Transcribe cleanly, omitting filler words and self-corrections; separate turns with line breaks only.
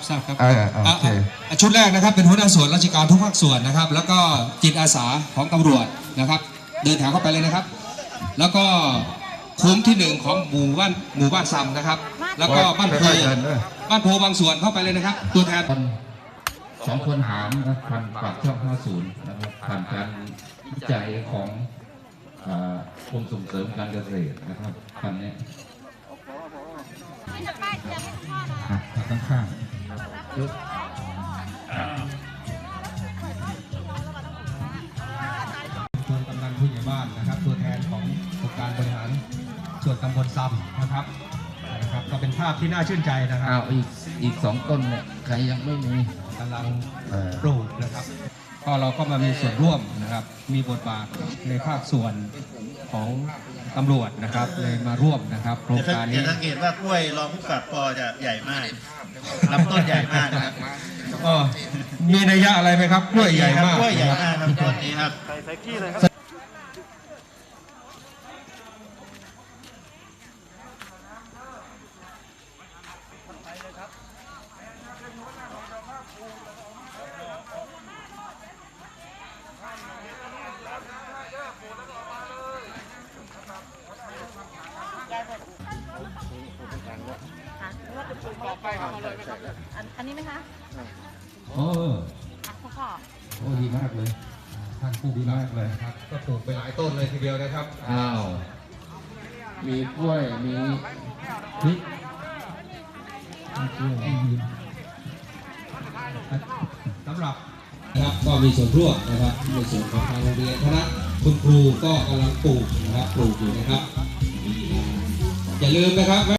ทราบครับ
โอเค
ชุดแรกนะครับเป็นหัวหน้าส่วนราชการทุกภาคส่วนนะครับแล้วก็จิตอาสาของตำรวจนะครับเดินทางเข้าไปเลยนะครับแล้วก็คุ้มที่ 1ของหมู่บ้านซ้ำนะครับแล้วก็บ้านโพบางส่วนเข้าไปเลยนะครับตัวแทน
2 คนหารนะผ่านปากช่อง 50นะครับผ่านการวิจัยของกรมส่งเสริมการเกษตรนะครับคันนี้ข้างๆ
ตัวกำนันผู้ใหญ่บ้านนะครับตัวแทนขององค์การบริหารส่วนตำบลซ้ำนะครับก็เป็นภาพที่น่าชื่นใจนะครับ
อีก 2 ต้นเนี่ยใครยังไม่มี
กำลังปลูกนะครับก็เราก็มามีส่วนร่วมนะครับมีบทบาทในภาคส่วนของตำรวจนะครับเลยมาร่วมนะครับโครงการนี้
สังเกตว่ากล้วยรองผู้กำกับปอจะใหญ่มากลำต้นใหญ่มากนะครับ
มีนัยยะอะไรไหมครับกล้วยใหญ่มาก
กล้วยใหญ่มากครับต้นนี้ครับใส่ขี้เลยครับ
อันนี้ไหมคะ
โอ้ดีมากเลย
ท่านผู้ดีมากเลยครับก็ปลูกไปหลายต้นเลยทีเดียวนะครับ
มีกล้วยมีพริก
สำหรับนะครับก็มีส่วนร่วมนะครับในส่วนของทางโรงเรียนคณะคุณครูก็กำลังปลูกนะครับปลูกอยู่นะครับอย่าลืมนะครับ